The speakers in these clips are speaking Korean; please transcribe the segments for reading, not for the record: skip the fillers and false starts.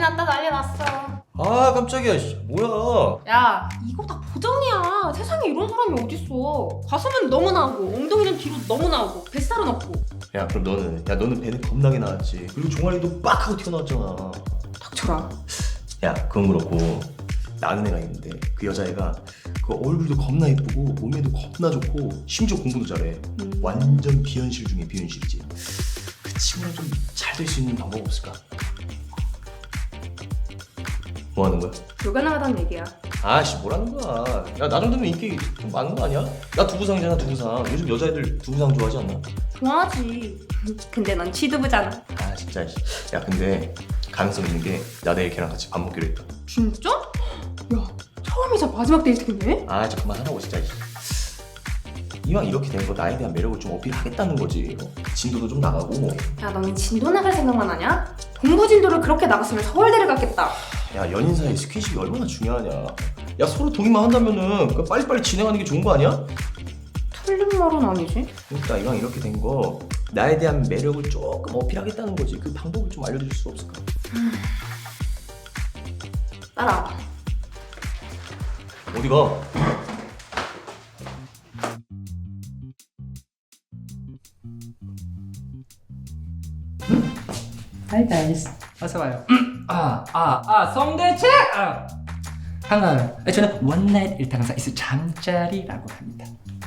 났다 난리 났어. 아 깜짝이야. 뭐야. 야 이거 다 보정이야. 세상에 이런 사람이 어딨어. 가슴은 너무 나오고 엉덩이는 뒤로 너무 나오고 뱃살은 없고. 야 그럼 너는 배는 겁나게 나왔지. 그리고 종아리도 빡 하고 튀어나왔잖아. 닥쳐라. 야 그건 그렇고 나는 애가 있는데 그 여자애가 그 얼굴도 겁나 이쁘고 몸매도 겁나 좋고 심지어 공부도 잘해. 완전 비현실 중에 비현실이지. 그 친구랑 좀 잘 될 수 있는 방법 없을까? 뭐 하는 거야? 불가능하다는 얘기야. 아씨 뭐라는 거야. 야 나 정도면 인기 좀 많은 거 아니야? 나 두부상이잖아 두부상. 요즘 여자애들 두부상 좋아하지 않나? 좋아하지. 근데 넌 취두부잖아. 아 진짜. 야 근데 가능성 있는 게 나 내일 걔랑 같이 밥 먹기로 했다. 진짜? 야 처음이자 마지막 데이트겠네? 아 잠깐만 하라고 진짜. 이왕 이렇게 된 거 나에 대한 매력을 좀 어필하겠다는 거지. 진도도 좀 나가고. 야 너는 진도 나갈 생각만 하냐? 동부 진도를 그렇게 나갔으면 서울대를 갔겠다. 야 연인 사이 스킨십이 얼마나 중요하냐. 야 서로 동의만 한다면은 그 빨리빨리 진행하는 게 좋은 거 아니야? 틀린 말은 아니지. 그러니까 이왕 이렇게 된 거 나에 대한 매력을 조금 어필하겠다는 거지. 그 방법을 좀 알려줄 수 없을까? 따라와. 어디가? Hi guys. 어서 와요. 성대책. 반가워요. 저는 원나잇 일탕사 이스 잠자리라고 합니다.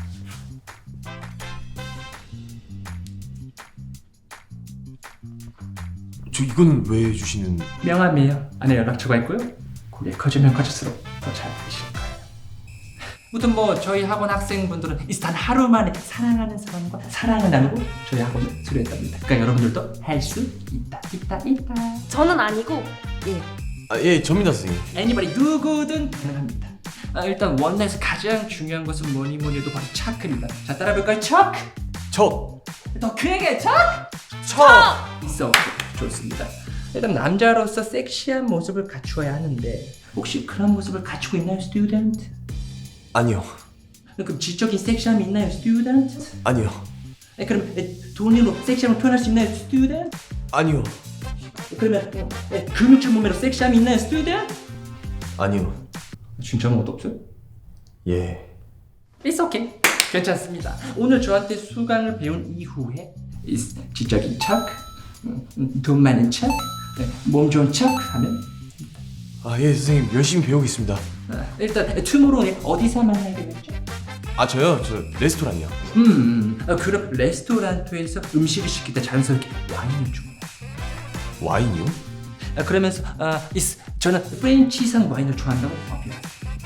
저 이거는 왜 주시는? 명함이에요. 안에 연락처가 있고요. 고개 커지면 커질수록 더 잘 되실 거예요. 무튼 뭐 저희 학원 학생분들은 이 단 하루 만에 사랑하는 사람과 사랑을 나누고 저희 학원을 수료했답니다. 그러니까 여러분들도 할 수 있다. 저는 아니고 예. 예, 접니다 선생님. Anybody 누구든 가능합니다. 일단 원나잇에서 가장 중요한 것은 뭐니 해도 바로 차크입니다. 자 따라해볼까요? 차크! 척! 더 크게 차크! 있어. 좋습니다. 일단 남자로서 섹시한 모습을 갖추어야 하는데 혹시 그런 모습을 갖추고 있나요, 스튜던트? 아니요. 그럼 지적인 섹시함이 있나요, 스튜던트? 아니요. 그럼 돈으로 섹시함을 표현할 수 있나요, 스튜던트? 아니요. 그러면 근육질 몸매로 섹시함이 있나요, 스튜던트? 아니요. 진짜 아무것도 없어요? 예. It's okay. 괜찮습니다. 오늘 저한테 수강을 배운 이후에 지적인 척, 돈 많은 척, 몸 좋은 척 하면 예 선생님 열심히 배우겠습니다. 일단 투모로우는 어디서 만나게 됐죠? 저요? 저 레스토랑이요. 그럼 레스토랑에서 음식을 시킬 때 자연스럽게 와인을 주문해요. 와인이요? 그러면서 저는 프렌치산 와인을 좋아한다고 어필해요.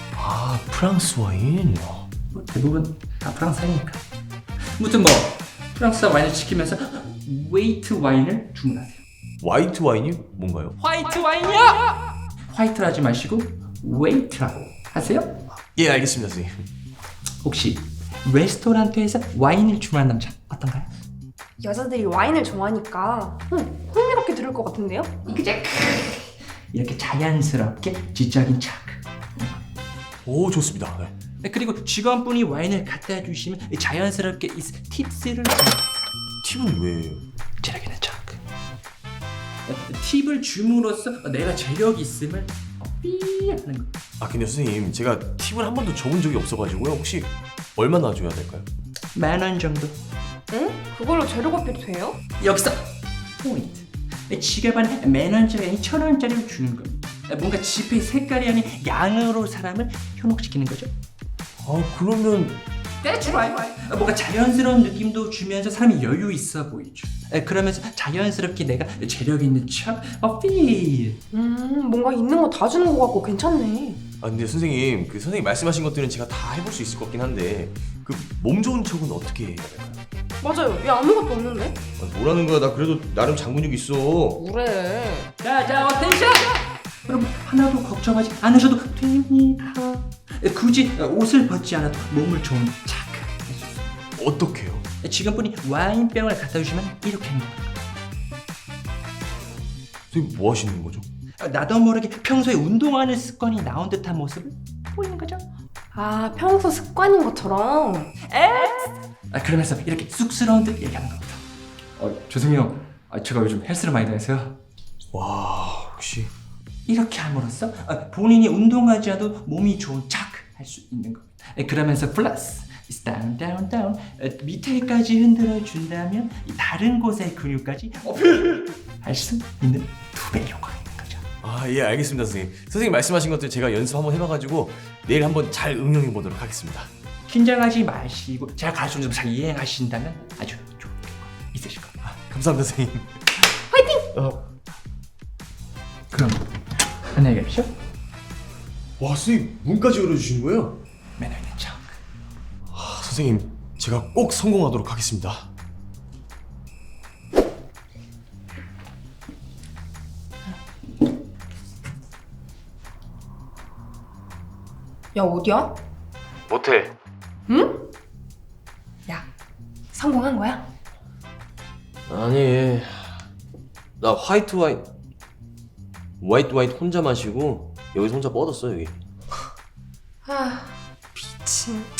프랑스 와인. 뭐 대부분 다 프랑스니까. 무튼 뭐 프랑스산 와인을 시키면서 웨이트 와인을 주문하세요. 화이트 와인이 뭔가요? 화이트 와인이야! 화이트를 하지 마시고 웨이트라고 하세요. 예 알겠습니다 선생님. 혹시 레스토랑에서 와인을 주문한 남자 어떤가요? 여자들이 와인을 좋아하니까 흥미롭게 들을 것 같은데요? 그제 이렇게 자연스럽게 지적인 척. 오 좋습니다. 네. 그리고 직원분이 와인을 갖다 주시면 자연스럽게 이 팁스를 팁은 왜요? 재력 있는 척. 팁을 줌으로써 내가 재력이 있음을 어필하는 거. 근데 선생님 제가 팁을 한 번도 줘본 적이 없어가지고요. 혹시 얼마나 줘야 될까요? 10,000원 정도. 응? 그걸로 재료 어필이 돼요? 여기서 포인트. 지갑 안에 10,000원짜리 아닌 1,000원짜리를 주는 겁니다. 뭔가 지폐 색깔이 아닌 양으로 사람을 현혹시키는 거죠. 그러면 That's right. 뭔가 자연스러운 느낌도 주면서 사람이 여유 있어 보이죠. 그러면서 자연스럽게 내가 재력 있는 척 어필. 뭔가 있는 거 다 주는 거 같고 괜찮네. 근데 선생님 그 선생님 말씀하신 것들은 제가 다 해볼 수 있을 것 같긴 한데 그 몸 좋은 척은 어떻게 해야 될까요? 맞아요. 얘 아무것도 없는데? 뭐라는 거야. 나 그래도 나름 장근육 있어. 그래. 자, 어텐션! 여러분 하나도 걱정하지 않으셔도 됩니다. 굳이 옷을 벗지 않아도 몸을 좋은 착. 어떻게요? 지금뿐이 와인병을 갖다 주시면 이렇게 하는 거예요. 선생님 뭐 하시는 거죠? 나도 모르게 평소에 운동하는 습관이 나온 듯한 모습을 보이는 거죠. 평소 습관인 것처럼. 그러면서 이렇게 쑥스러운 듯 얘기하는 겁니다. 죄송해요. 제가 요즘 헬스를 많이 다녀서요. 와 혹시 이렇게 함으로써 본인이 운동하지 않아도 몸이 좋은 척 할 수 있는 겁니다. 그러면서 플러스 down down down 밑에까지 흔들어 준다면 이 다른 곳의 근육까지 할 수 있는 2배 효과가 있는 거죠. 아, 예, 알겠습니다, 선생님. 선생님 말씀하신 것들 제가 연습 한번 해봐가지고 내일 한번 잘 응용해 보도록 하겠습니다. 긴장하지 마시고 제가 가르쳐 좀 잘 이행하신다면 아주 좋은 결과 있으실 겁니다. 감사합니다, 선생님. 그럼 안녕히 계십시오. 와, 선생님 문까지 열어주시는 거예요? 매너 있는 척. 아, 선생님 제가 꼭 성공하도록 하겠습니다. 야, 어디야? 모텔. 응? 야, 성공한 거야? 아니, 나 화이트 혼자 마시고 여기서 혼자 뻗었어 여기. 아, 미친.